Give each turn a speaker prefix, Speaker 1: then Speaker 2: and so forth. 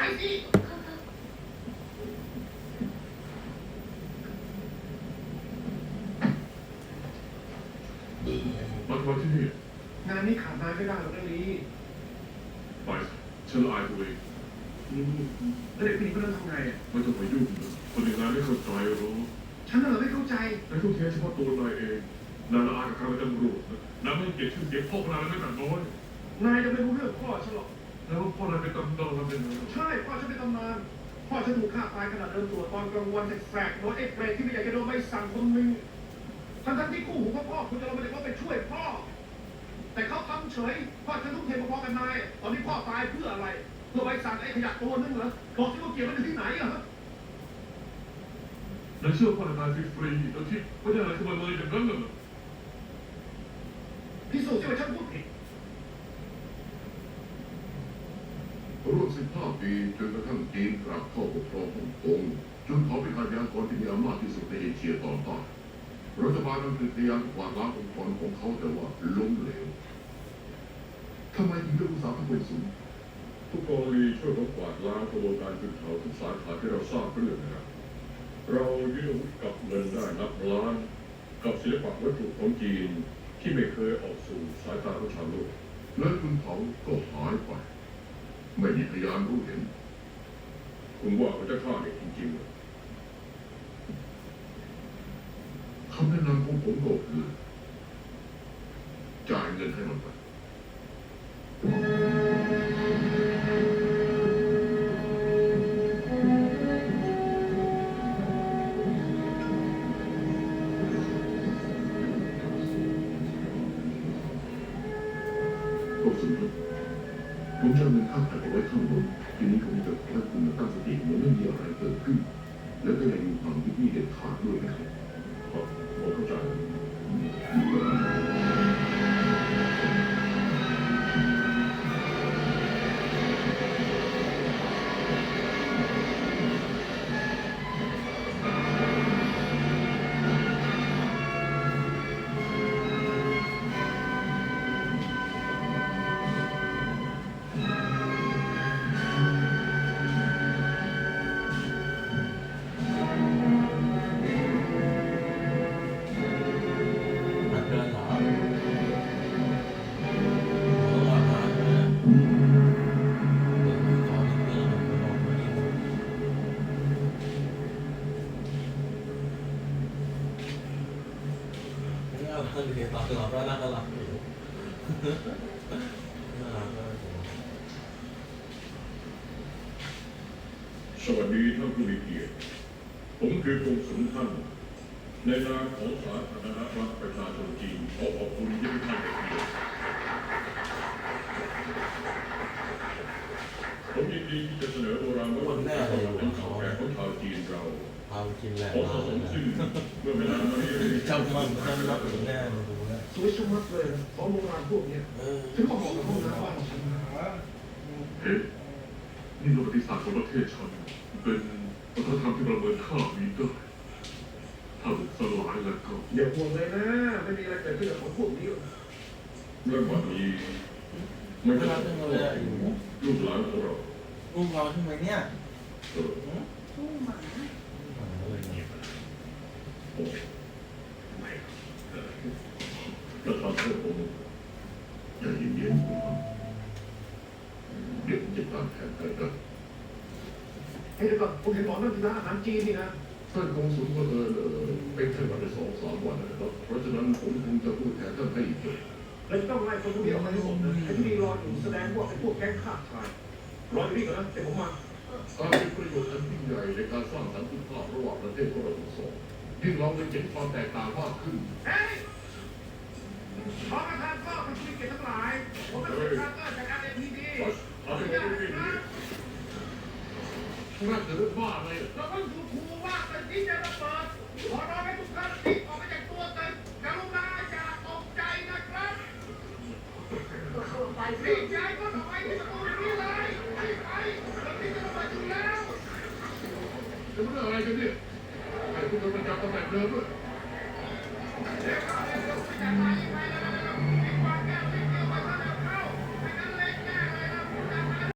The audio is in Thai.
Speaker 1: สิ
Speaker 2: มาทำไมที่นี่
Speaker 1: งานนี้ขาดนายไม่ได้หรอกเรื่องนี้
Speaker 2: ไปฉันละอายตัวเอง
Speaker 1: แล้วเด็กผู้หญิงคนนั้นทำไง
Speaker 2: ไม่ต้องไปยุ่งเลยคนอย่างนั้นไม่เข้าใจหรอก
Speaker 1: ฉันน่ะไม่เข้าใจ
Speaker 2: นายต้องแค่เฉพาะตัวนายเองนายละอายกับการเป็นตำรวจนายไม่เกลียดชื่อเสียงพ่อพนายไม่แต่น้อย
Speaker 1: นายจะไม่รู้เรื่องพ่อฉันหรอก
Speaker 2: แล้วพ่อนายเป็นตำนานเป็นไง
Speaker 1: ใช่พ่อฉันเป็นตำนานพ่อฉันถูกฆ่าตายขณะเดินตรวจตอนกลางวันแสกๆโดนไอ้เปรตที่ไม่อยากจะโดนใบสั่งคนหนึ่งทั้งที่คู่หูพ่อคุณจะลงมาจากว่าไปช่วยพ่อแต่เขาทำเฉยพ่อฉันทุ่มเทพอๆกันนายตอนนี้พ่อตายเพื่ออะไรเพื่อใบสั่งไอ้ขยะตัวนึงเหรอบอกที่ว่าเกี่ยวมันอยู่ที่ไหนอะฮะ
Speaker 2: นายเชื่อพ่อนายฟรีๆแล้วที่ไม่ได้อะไรขึ้นมาเลยอย่างนั้นเหรอ
Speaker 1: พิสูจน์ที่ว่าฉันพูดผิด
Speaker 3: ร่วม15 ปีจนกระทั่งจีนกลับเข้าปกครองฮ่องกงจนเขาเป็นอาชญากรที่มีอำนาจที่สุดในเอเชียตอนใต้รัฐบาลอังกฤษพยายามกวาดล้างองค์กรของเขาแต่ว่าล้มเหลวทำไมถึงเลือกอุตสาหกรรมสูง
Speaker 2: ผู้กองลีช่วยผมกวาดล้างกระบวนการขึ้นเขาทุกสาขาที่เราทราบเรื่องนะครับเรายึดอาวุธกับเงินได้นับล้านกับศิลปะวัตถุของจีนที่ไม่เคยออกสู่สายตาของชาวโลก
Speaker 3: และคุณเขาก็หายไปไม่มีพยานรู้เห็น
Speaker 2: คุณว่าเขาจะฆ่าเด็กจริงๆเหรอ
Speaker 3: คำแนะนำของผมก็คือจ่ายเงินให้มันไปก็สุดท้ายผมจะเอาเงินค่าถ่ายเอาไว้ข้างบนทีนี้ผมจะขอให้คุณตั้งสติเหมือนไม่มีอะไรเกิดขึ้นแล้วก็อย่าอยู่ห่างที่นี่เด็ดขาดด้วยนะครับ
Speaker 2: ผมเข้าใจ
Speaker 4: เรียนตอนตลอดว่าน่ารักอยู่น่ารักมาก
Speaker 2: สวัสดีท่านผู้มีเกียรติผมคือกงสุลท่านในนามของสาธารณรัฐประชาชนจีนขอขอบคุณที่ให้ท่านเป็นเกียรติผมยินดีที่จะเสนอโบราณวัตถุเป็นข่าวแก่ของชาวจีนเรา
Speaker 4: เอากินแหละ
Speaker 2: ขอสะสมชื่อเมื่อเวลามานี้
Speaker 4: จำมันจำรับถึงแน่เลยดูนะ
Speaker 1: สวยชะมัดเลยของโบราณพวกนี้ฉันก็บอกกับห้องน้ำบ้านฉัน
Speaker 2: เฮ้ยนี่ประวัติศาสตร์ของประเทศฉันเป็นวัฒนธรรมที่ประเมินค่ามีได้ถ้าถูกสลายแล้วก็
Speaker 1: อย่าห่วงเลยนะไม่มีอะไรเกิดขึ้นกับของพวกนี้
Speaker 2: เรื่องวันนี้ไม่ใช่ลูกหลานของเรา
Speaker 4: ลูกเราใช่ไหมเนี่ย
Speaker 5: ลูกหมา
Speaker 3: แล้วตอนที่ผมจะเย็นๆผมเดี๋ยวผมจะตามแผนไปกัน
Speaker 1: เฮ้ยเดี๋ยวก่อนผมเห็นบอกนั่นคือร้านอาหารจีนนี่นะ
Speaker 3: ท่านกงสุลก็เป็นแค่วันละ2-3 วันนะครับเพราะฉะนั้นผมคงจะพูดแทนท่านให้อีกเลย
Speaker 1: เราจะต้องไล่คนพวกนี้ออกมาให้หมดเลยไอ้ที่นี่รออยู่แสดงว่าไอ้พวกแก๊งฆ่าชายรออยู่นี่ก่อนนะเดี๋ยวผมมา
Speaker 3: การเป็นประโยชน์อันยิ่งใหญ่ในการสร้างสันติภาพระหว่างประเทศของเราทั้งสองยิ่งเราได้เห็นความแตกต่างมากขึ้น
Speaker 1: เฮ้ยขอประทานข้อเป็นผู้มีเกียรติทั้งหลายผมเป็นประธานก็จากการเอ็นทีดี
Speaker 2: เอาไปดูดิ
Speaker 3: น่าจะเรื่องบ้าอะไร
Speaker 1: เราต้องถูกครูว่าเป็นที่จะระเบิดขอร้องให้ทุกท่านรีบออกมาจากตัวเต็มกรุณาอย่าตกใจนะครับรีบย้ายก็ออกไปที่ประตูนี้เลยรีบไปเราที่จะระเบิดอยู่แล้ว
Speaker 3: จะเรื่องอะไรกันเนี่ยไอ้คุณโดนประจำตำแหน่งเดิมด้วย
Speaker 1: เดี๋ยวเราจะไปไหน